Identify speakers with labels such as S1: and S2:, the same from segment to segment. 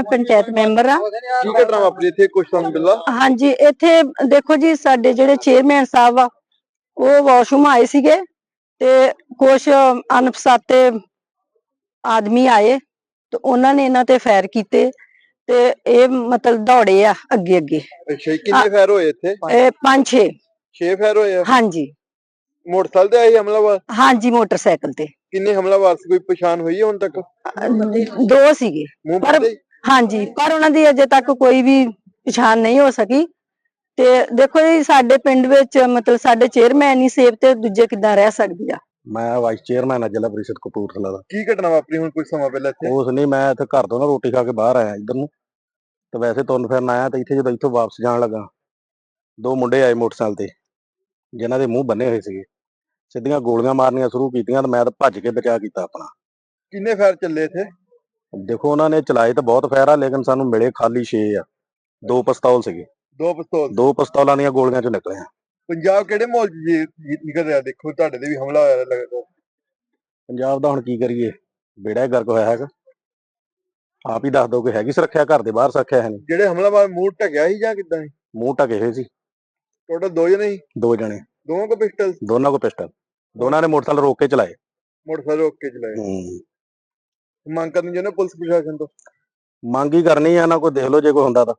S1: मैं पंचायत मैंबर हाँ।
S2: की घटना वापरी इत्थे कुछ तुहानूं मिला?
S1: हाँ जी, इत्थे देखो जी साडे जिहड़े चेयरमैन साहब आ वो वाशरूम आए सीगे ते कुछ अनपछाते आदमी आए तो उन्होंने इन्हां ते फायर कीते ते ये मतलब दौड़े आ अगे अगे।
S2: अच्छा, किन्ने फायर होए इत्थे?
S1: 5-6
S2: फायर होए आ?
S1: हाँ जी।
S2: मोटरसाइकिल ते आए हमलावर?
S1: हाँ जी, मोटरसाइकिल ते।
S2: किन्ने हमलावर से कोई पछाण हुई है हुण तक?
S1: 2 सीगे पर हाँ जी, पर उन्हां दी अजे तक कोई भी पछाण नहीं हो सकी। ते देखो जी साडे पिंड विच मतलब साडे चेयरमैन ही सेफ ते दूजे किदां रह सकदी आ।
S3: मैं वाइस चेयरमैन जिला परिषद कपूरथला दा।
S2: की घटना वापरी हुण कुछ समा पहले इत्थे?
S3: उस नहीं मैं इत्थे घर तो ना रोटी खा के बाहर आया इधर नूं ते वैसे तुरन फिरन आया ते इत्थे जदों इत्थों वापस जाण लगा 2 मुंडे आए मोटरसाइकिल ते जिन्हां दे मूंह बन्ने होए सीगे सिद्धियां गोलियां मारनियां शुरू कीतियां ते मैं तां भज के बचा कीता अपना।
S2: किन्ने फायर चले इत्थे?
S3: देखो उन्होंने चलाए तो बहुत फायर आ लेकिन सानू मिले खाली 6 आ। 2 पिस्तौल सीगे।
S2: 2 पिस्तौल?
S3: 2 पिस्तौलां दीयां गोलियां चों निकले आ।
S2: पंजाब किहड़े माहौल च निकल रहा? देखो तुहाडे ते भी हमला होया लगदा।
S3: पंजाब दा हुण की करिए बेड़ा ही गर्क होया हैगा। आप ही दस दो कि हैगी सुरक्षा घर दे बाहर सुरक्षा है नहीं।
S2: ਜਿਹੜੇ ਹਮਲਾਵਰ ਮੂੰਹ ਢਕਿਆ ਸੀ ਜਾਂ ਕਿੱਦਾਂ ਸੀ?
S3: मूँह ढके हुए सी।
S2: ਟੋਟਲ 2 ਜਣੇ ਸੀ?
S3: 2 जने
S2: ਦੋਵਾਂ ਕੋ ਪਿਸਟਲ?
S3: दोनों को पिस्टल दोनों ने मोटरसाइकिल रोक के चलाए।
S2: ਮੋਟਰਸਾਈਕਲ ਰੋਕ ਕੇ ਚਲਾਏ। ਮੰਗ ਕਰਨੀ ਚਾਹੁੰਦੇ ਪੁਲਿਸ ਪ੍ਰਸ਼ਾਸਨ ਤੋਂ?
S3: ਮੰਗ ਹੀ ਕਰਨੀ ਆ ਨਾ ਕੋਈ ਦੇਖ ਲਓ ਜੇ ਕੋਈ ਹੁੰਦਾ ਤਾਂ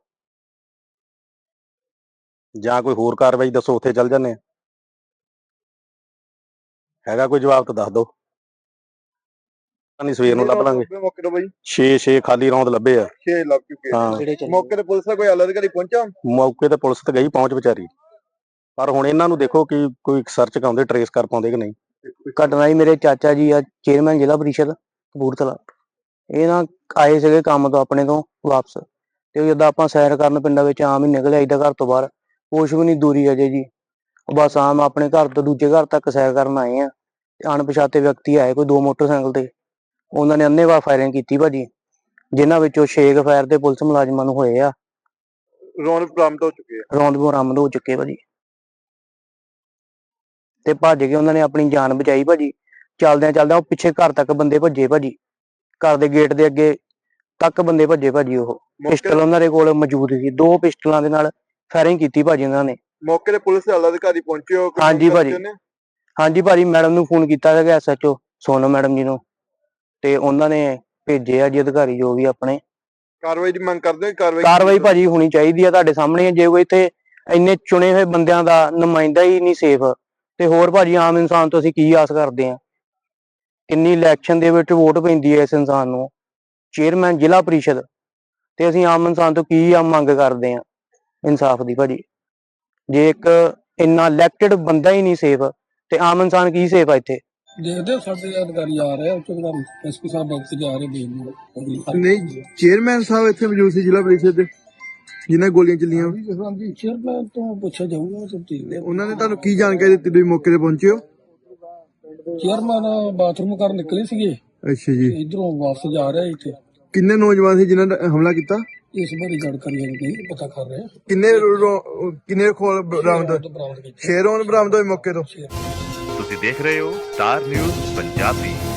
S3: ਜਾਂ ਕੋਈ ਹੋਰ ਕਾਰਵਾਈ ਦੱਸੋ ਉੱਥੇ ਚੱਲ ਜਾਂਦੇ ਆ। ਹੈਗਾ ਕੋਈ ਜਵਾਬ ਤਾਂ ਦੱਸ ਦਿਓ। ਨਹੀਂ ਸਵੇਰ ਨੂੰ ਲੱਭ ਲਾਂਗੇ।
S2: ਮੌਕੇ ਤੋਂ ਬਾਈ
S3: 6 ਖਾਲੀ ਰੌਂਦ ਲੱਭੇ ਆ।
S2: 6 ਲੱਭ ਚੁੱਕੇ ਆ।
S3: ਹਾਂ
S2: ਮੌਕੇ ਤੇ ਪੁਲਿਸ ਦਾ ਕੋਈ ਆਲਾ ਅਧਿਕਾਰੀ ਪਹੁੰਚਾ?
S3: ਮੌਕੇ ਤੇ ਪੁਲਿਸ ਤੇ ਗਈ ਪਹੁੰਚ ਵਿਚਾਰੀ ਪਰ ਹੁਣ ਇਹਨਾਂ ਨੂੰ ਦੇਖੋ ਕਿ ਕੋਈ ਸਰਚ ਕਰਾਉਂਦੇ ਟਰੇਸ ਕਰ ਪਾਉਂਦੇ ਕਿ ਨਹੀਂ।
S4: ਘਟਨਾ ਜੀ ਮੇਰੇ ਚਾਚਾ ਜੀ ਆ ਚੇਅਰਮੈਨ ਜ਼ਿਲ੍ਹਾ ਪਰਿਸ਼ਦ ਕਪੂਰਥਲਾ ਇਹ ਨਾ ਆਏ ਸੀਗੇ ਕੰਮ ਤੋਂ ਆਪਣੇ ਤੋਂ ਵਾਪਸ ਤੇ ਜਦੋਂ ਆਪਾਂ ਸੈਰ ਕਰਨ ਪਿੰਡਾਂ ਵਿੱਚ ਆਮ ਹੀ ਨਿਕਲ ਆਈਦਾ ਘਰ ਤੋਂ ਬਾਹਰ ਕੁਛ ਵੀ ਨਹੀਂ ਦੂਰੀ ਅਜੇ ਜੀ ਬਸ ਆਮ ਆਪਣੇ ਘਰ ਤੋਂ ਦੂਜੇ ਘਰ ਤੱਕ ਸੈਰ ਕਰਨ ਆਏ ਆ ਤੇ ਅਣਪਛਾਤੇ ਵਿਅਕਤੀ ਆਏ ਕੋਈ 2 ਮੋਟਰਸਾਈਕਲ ਤੇ ਉਹਨਾਂ ਨੇ ਅੰਨ੍ਹੇਵਾਹ ਫਾਇਰਿੰਗ ਕੀਤੀ ਭਾਜੀ ਜਿਨ੍ਹਾਂ ਵਿੱਚੋਂ 6 ਫਾਇਰ ਤੇ ਪੁਲਿਸ ਮੁਲਾਜ਼ਮਾਂ ਨੂੰ ਹੋਏ ਆ।
S2: ਰੌਂਦ ਬਰਾਮਦ ਹੋ ਚੁੱਕੇ ਆ?
S4: ਰੌਂਦ ਬਰਾਮਦ ਹੋ ਚੁੱਕੇ ਭਾਜੀ ਤੇ ਭੱਜ ਕੇ ਉਹਨਾਂ ਨੇ ਆਪਣੀ ਜਾਨ ਬਚਾਈ ਭਾਜੀ। ਚੱਲਦਿਆਂ ਚੱਲਦਿਆਂ ਉਹ ਪਿੱਛੇ ਘਰ ਤੱਕ ਬੰਦੇ ਭੱਜੇ ਭਾਜੀ ਘਰ ਦੇ ਗੇਟ ਦੇ ਅੱਗੇ ਤੱਕ ਬੰਦੇ ਭੱਜੇ ਭਾਜੀ। ਉਹ ਪਿਸਟਲ ਉਹਨਾਂ ਦੇ ਕੋਲ ਮੌਜੂਦ ਸੀ 2 ਪਿਸਟਲਾਂ ਦੇ ਨਾਲ ਫਾਇਰਿੰਗ ਕੀਤੀ ਭਾਜੀ ਉਹਨਾਂ ਨੇ।
S2: ਮੌਕੇ ਤੇ ਪੁਲਿਸ ਦੇ ਆਲਾ ਅਧਿਕਾਰੀ ਪਹੁੰਚੇ ਹੋ?
S4: ਹਾਂਜੀ ਭਾਜੀ ਹਾਂਜੀ ਭਾਜੀ ਮੈਡਮ ਨੂੰ ਫੋਨ ਕੀਤਾ ਸੀਗਾ SHO ਸੋਨਮ ਮੈਡਮ ਜੀ ਨੂੰ ਤੇ ਉਹਨਾਂ ਨੇ ਭੇਜੇ ਆ ਜੀ ਅਧਿਕਾਰੀ ਜੋ ਵੀ ਆਪਣੇ।
S2: ਕਾਰਵਾਈ ਦੀ ਮੰਗ ਕਰਦੇ ਹੋ?
S4: ਕਾਰਵਾਈ ਭਾਜੀ ਹੋਣੀ ਚਾਹੀਦੀ ਆ ਤੁਹਾਡੇ ਸਾਹਮਣੇ। ਜੇ ਕੋਈ ਇੱਥੇ ਇੰਨੇ ਚੁਣੇ ਹੋਏ ਬੰਦਿਆਂ ਦਾ ਨੁਮਾਇੰਦਾ ਹੀ ਨਹੀਂ ਸੇਫ ਤੇ ਹੋਰ ਭਾਜੀ ਆਮ ਇਨਸਾਨ ਤੋਂ ਅਸੀਂ ਕੀ ਆਸ ਕਰਦੇ ਆ। ਕਿੰਨੀ ਇਲੈਕਸ਼ਨ ਦੇ ਵਿੱਚ ਵੋਟ ਪੈਂਦੀ ਹੈ ਇਸ ਇਨਸਾਨ ਨੂੰ ਚੇਅਰਮੈਨ ਜ਼ਿਲ੍ਹਾ ਪਰਿਸ਼ਦ ਤੇ ਅਸੀਂ ਆਮ ਇਨਸਾਨ ਤੋਂ ਕੀ ਮੰਗ ਕਰਦੇ ਆ ਇਨਸਾਫ ਦੀ ਭਾਜੀ। ਜੇ ਇੱਕ ਇੰਨਾ ਇਲੈਕਟਡ ਬੰਦਾ ਹੀ ਨਹੀਂ ਸੇਫ ਤੇ ਆਮ ਇਨਸਾਨ ਕੀ ਸੇਫ ਆ ਇੱਥੇ।
S5: ਦੇਖਦੇ ਸਾਡੇ ਅਧਿਕਾਰੀ ਆ ਰਹੇ ਉੱਚ ਅਧਿਕਾਰੀ SP ਸਾਹਿਬ ਡਾਕਟਰ ਜਾ ਰਹੇ ਦੇਖਦੇ
S2: ਨਹੀਂ ਚੇਅਰਮੈਨ ਸਾਹਿਬ ਇੱਥੇ ਮੌਜੂਦ ਸੀ ਜ਼ਿਲ੍ਹਾ ਪਰਿਸ਼ਦ ਦੇ ਜਿਨ੍ਹਾਂ ਗੋਲੀਆਂ ਚੱਲੀਆਂ?
S5: ਹਾਂਜੀ ਚੇਅਰਮੈਨ ਤੋਂ ਪੁੱਛਿਆ ਜਾਊਗਾ ਸਭ ਠੀਕ।
S2: ਉਹਨਾਂ ਨੇ ਤੁਹਾਨੂੰ ਕੀ ਜਾਣਕਾਰੀ ਦਿੱਤੀ ਤੁਸੀਂ ਮੌਕੇ ਤੇ ਪਹੁੰਚੇ ਹੋ?
S5: ਚੇਅਰਮੈਨ ਬਾਥਰੂਮ ਕਰਨ ਨਿਕਲੇ ਸੀਗੇ।
S2: ਅੱਛਾ ਜੀ।
S5: ਇਧਰੋਂ ਵਾਪਸ ਜਾ ਰਹੇ ਇੱਥੇ।
S2: ਕਿੰਨੇ ਨੌਜਵਾਨ ਸੀ ਜਿਨ੍ਹਾਂ ਨੇ ਹਮਲਾ ਕੀਤਾ?
S5: ਇਸ ਬਾਰੇ ਜਾਣਕਾਰੀ ਨਹੀਂ ਪਤਾ ਕਰ ਰਹੇ।
S2: ਕਿੰਨੇ ਖੋਲ ਬਰਾਮਦ? 6 ਰੌਂਦ ਬਰਾਮਦ ਹੋਏ ਮੌਕੇ ਤੋਂ।
S6: ਤੁਸੀਂ ਦੇਖ ਰਹੇ ਹੋ ਸਟਾਰ ਨਿਊਜ਼ ਪੰਜਾਬੀ।